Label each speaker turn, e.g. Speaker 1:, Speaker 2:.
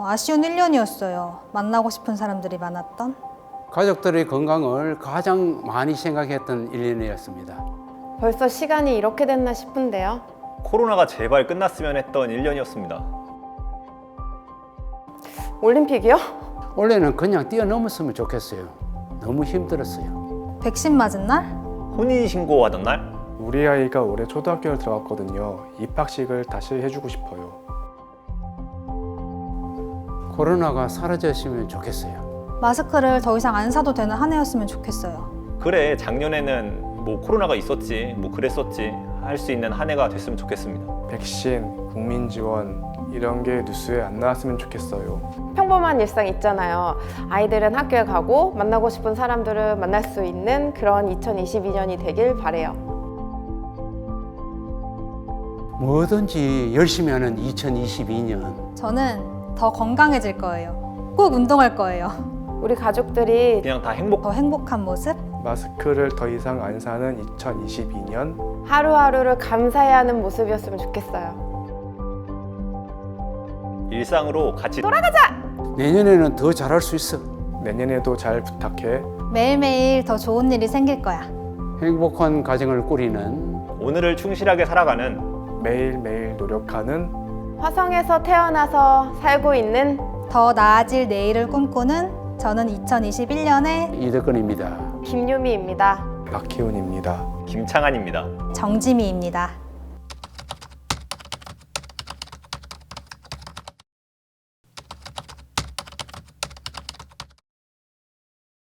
Speaker 1: 아쉬운 1년이었어요. 만나고 싶은 사람들이 많았던.
Speaker 2: 가족들의 건강을 가장 많이 생각했던 1년이었습니다.
Speaker 3: 벌써 시간이 이렇게 됐나 싶은데요.
Speaker 4: 코로나가 제발 끝났으면 했던 1년이었습니다.
Speaker 3: 올림픽이요?
Speaker 2: 원래는 그냥 뛰어넘었으면 좋겠어요. 너무 힘들었어요.
Speaker 1: 백신 맞은 날?
Speaker 4: 혼인신고하던 날?
Speaker 5: 우리 아이가 올해 초등학교를 들어갔거든요. 입학식을 다시 해주고 싶어요.
Speaker 2: 코로나가 사라졌으면 좋겠어요.
Speaker 1: 마스크를 더 이상 안 사도 되는 한 해였으면 좋겠어요.
Speaker 4: 그래, 작년에는 뭐 코로나가 있었지, 뭐 그랬었지 할 수 있는 한 해가 됐으면 좋겠습니다.
Speaker 5: 백신, 국민 지원 이런 게 뉴스에 안 나왔으면 좋겠어요.
Speaker 3: 평범한 일상 있잖아요. 아이들은 학교에 가고 만나고 싶은 사람들을 만날 수 있는 그런 2022년이 되길 바래요.
Speaker 2: 뭐든지 열심히 하는 2022년.
Speaker 1: 저는 더 건강해질 거예요. 꼭 운동할 거예요.
Speaker 3: 우리 가족들이
Speaker 4: 그냥 다 행복.
Speaker 1: 더 행복한 모습?
Speaker 5: 마스크를 더 이상 안 사는 2022년.
Speaker 3: 하루하루를 감사해하는 모습이었으면 좋겠어요.
Speaker 4: 일상으로 같이
Speaker 2: 내년에는 더 잘할 수 있어.
Speaker 5: 내년에도 잘 부탁해.
Speaker 1: 매일매일 더 좋은 일이 생길 거야.
Speaker 2: 행복한 가정을 꾸리는
Speaker 4: 오늘을 충실하게 살아가는
Speaker 5: 매일매일 노력하는
Speaker 3: 화성에서 태어나서 살고 있는
Speaker 1: 더 나아질 내일을 꿈꾸는 저는 2021년의
Speaker 2: 이덕근입니다.
Speaker 3: 김유미입니다.
Speaker 5: 박희훈입니다.
Speaker 4: 김창한입니다.
Speaker 1: 정지미입니다.